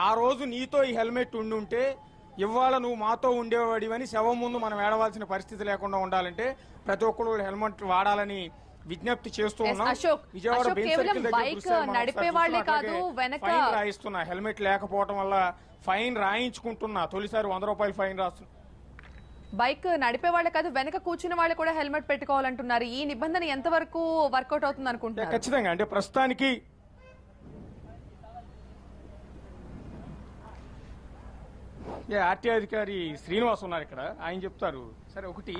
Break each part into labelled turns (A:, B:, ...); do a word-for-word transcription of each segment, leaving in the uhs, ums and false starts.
A: ఆ రోజు నీతో ఈ హెల్మెట్ ఉండి ఉంటే ఇవాళ నువ్వు మాతో ఉండేవాడివని శవం ముందు మనం ఏడవలసిన పరిస్థితి లేకుండా ఉండాలంటే ప్రతి ఒక్కరు హెల్మెట్ వాడాలని విజ్ఞప్తి చేస్తూ ఉన్నాం. విజయవాడ బెంచ్ సర్కిల్ దగ్గర ఫైన్ రాయిస్తున్నా, హెల్మెట్ లేకపోవడం వల్ల ఫైన్ రాయించుకుంటున్నా. తొలిసారి వంద రూపాయలు ఫైన్ రాస్తున్నా.
B: బైక్ నడిపే వాళ్ళే కాదు, వెనక కూర్చున్న వాళ్ళు కూడా హెల్మెట్ పెట్టుకోవాలంటున్నారు. ఈ నిబంధన ఎంతవరకు వర్కౌట్ అవుతుంది అనుకుంటున్నారు?
A: ఖచ్చితంగా అంటే ప్రస్తుతానికి ఆర్టీఐ అధికారి శ్రీనివాస్ ఉన్నారు ఇక్కడ, ఆయన చెప్తారు. సరే, ఒకటి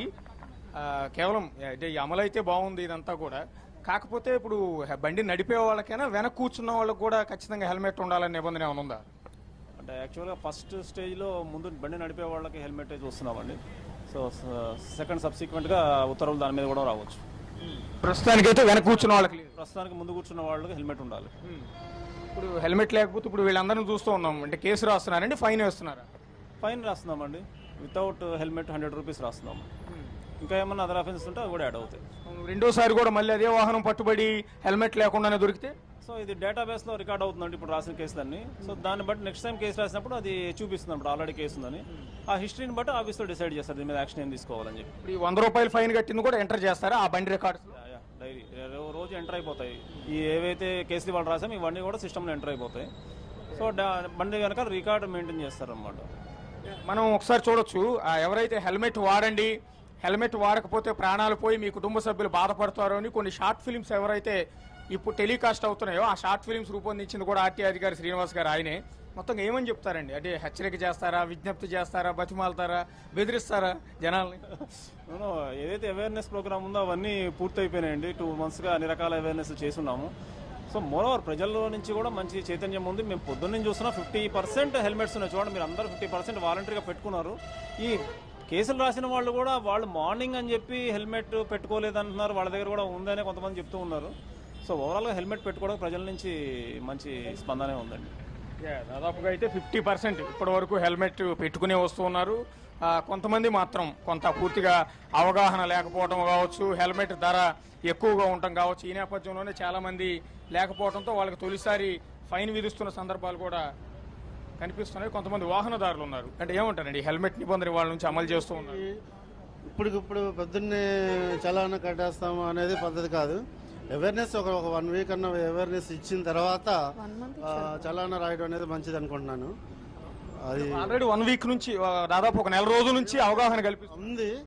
A: కేవలం అంటే అమలు అయితే బాగుంది ఇదంతా కూడా, కాకపోతే ఇప్పుడు బండి నడిపే వాళ్ళకైనా వెనక కూర్చున్న వాళ్ళకి కూడా ఖచ్చితంగా హెల్మెట్ ఉండాలని నిబంధన ఏమైనా ఉందా?
C: అంటే యాక్చువల్గా ఫస్ట్ స్టేజ్లో ముందు బండి నడిపే వాళ్ళకి హెల్మెట్ చూస్తున్నామండి. సో సెకండ్ సబ్సిక్వెంట్గా ఉత్తర్వులు దాని మీద కూడా రావచ్చు.
A: ప్రస్తుతానికైతే వెనక కూర్చున్న వాళ్ళకి,
C: ప్రస్తుతానికి ముందు కూర్చున్న వాళ్ళకి హెల్మెట్ ఉండాలి.
A: ఇప్పుడు హెల్మెట్ లేకపోతే ఇప్పుడు వీళ్ళందరినీ చూస్తూ ఉన్నాం అంటే కేసు రాస్తున్నారండి, ఫైన్ వేస్తున్నారా?
C: ఫైన్ రాస్తున్నామండి. వితౌట్ హెల్మెట్ హండ్రెడ్ రూపీస్ రాస్తున్నాము. ఇంకా ఏమన్నా అదర్ అఫెన్స్ ఉంటే అవి కూడా యాడ్ అవుతాయి.
A: రెండోసారి కూడా మళ్ళీ అదే వాహనం పట్టుబడి హెల్మెట్ లేకుండానే దొరికితే
C: సో ఇది డేటాబేస్ లో రికార్డ్ అవుతుందండి ఇప్పుడు రాసిన కేసులన్నీ. సో దాన్ని బట్టి నెక్స్ట్ టైం కేసు రాసినప్పుడు అది చూపిస్తుంది అప్పుడు ఆల్రెడీ కేసు ఉందని. ఆ హిస్టరీని బట్టి ఆఫీస్లో డిసైడ్ చేస్తారు దీని మీద యాక్షన్ ఏం తీసుకోవాలని చెప్పి.
A: ఇప్పుడు వంద రూపాయలు ఫైన్ కట్టింది కూడా ఎంటర్ చేస్తారా ఆ బండి రికార్డ్స్?
C: డైరీ రోజు ఎంటర్ అయిపోతాయి. ఈ ఏవైతే కేసులు వాళ్ళు రాసామో ఇవన్నీ కూడా సిస్టమ్లో ఎంటర్ అయిపోతాయి. సో బండి కనుక రికార్డ్ మెయింటైన్ చేస్తారు అన్నమాట.
A: మనం ఒకసారి చూడొచ్చు, ఎవరైతే హెల్మెట్ వాడండి, హెల్మెట్ వాడకపోతే ప్రాణాలు పోయి మీ కుటుంబ సభ్యులు బాధపడతారు అని కొన్ని షార్ట్ ఫిలిమ్స్ ఎవరైతే ఇప్పుడు టెలికాస్ట్ అవుతున్నాయో ఆ షార్ట్ ఫిలిమ్స్ రూపొందించింది కూడా ఆర్టీ అధికారి శ్రీనివాస్ గారు. ఆయనే మొత్తం ఏమని చెప్తారండి? అంటే హెచ్చరిక చేస్తారా, విజ్ఞప్తి చేస్తారా, బతిమాలతారా, బెదిరిస్తారా జనాల్ని?
C: ఏదైతే అవేర్నెస్ ప్రోగ్రామ్ ఉందో అవన్నీ పూర్తి అయిపోయినాయండి. టూ మంత్స్గా అన్ని రకాల అవేర్నెస్ చేస్తున్నాము. సో మోర్ ఓవర్ ప్రజల్లో నుంచి కూడా మంచి చైతన్యం ఉంది. మేము పొద్దున్న చూస్తున్నా ఫిఫ్టీ పర్సెంట్ హెల్మెట్స్ ఉన్నాయి. చూడండి మీరు అందరూ ఫిఫ్టీ పర్సెంట్ వాలంటరీగా పెట్టుకున్నారు. ఈ కేసులు రాసిన వాళ్ళు కూడా వాళ్ళు మార్నింగ్ అని చెప్పి హెల్మెట్ పెట్టుకోలేదంటున్నారు. వాళ్ళ దగ్గర కూడా ఉందనే కొంతమంది చెప్తూ ఉన్నారు. సో ఓవరాల్గా హెల్మెట్ పెట్టుకోవడం ప్రజల నుంచి మంచి స్పందనే ఉందండి.
A: దాదాపుగా అయితే ఫిఫ్టీ పర్సెంట్ ఇప్పటి వరకు హెల్మెట్ పెట్టుకునే వస్తూ ఉన్నారు. కొంతమంది మాత్రం కొంత పూర్తిగా అవగాహన లేకపోవడం కావచ్చు, హెల్మెట్ ధర ఎక్కువగా ఉండటం కావచ్చు. ఈ నేపథ్యంలోనే చాలా మంది లేకపోవడంతో వాళ్ళకి తొలిసారి ఫైన్ విధిస్తున్న సందర్భాలు కూడా కనిపిస్తున్నాయి. కొంతమంది వాహనదారులు ఉన్నారు. అంటే ఏమంటారండి హెల్మెట్ నిబంధన వాళ్ళ నుంచి అమలు చేస్తూ ఉన్నారు?
D: ఇప్పటికిప్పుడు పొద్దున్నే చలానా కట్టేస్తాము అనేది పద్ధతి కాదు. అవేర్నెస్ ఒక ఒక వన్ వీక్ అన్న అవేర్నెస్ ఇచ్చిన తర్వాత చలానా రాయడం అనేది మంచిది అనుకుంటున్నాను. అది
A: ఆల్రెడీ వన్ వీక్ నుంచి దాదాపు ఒక నెల రోజుల నుంచి అవగాహన కల్పిస్తుంది.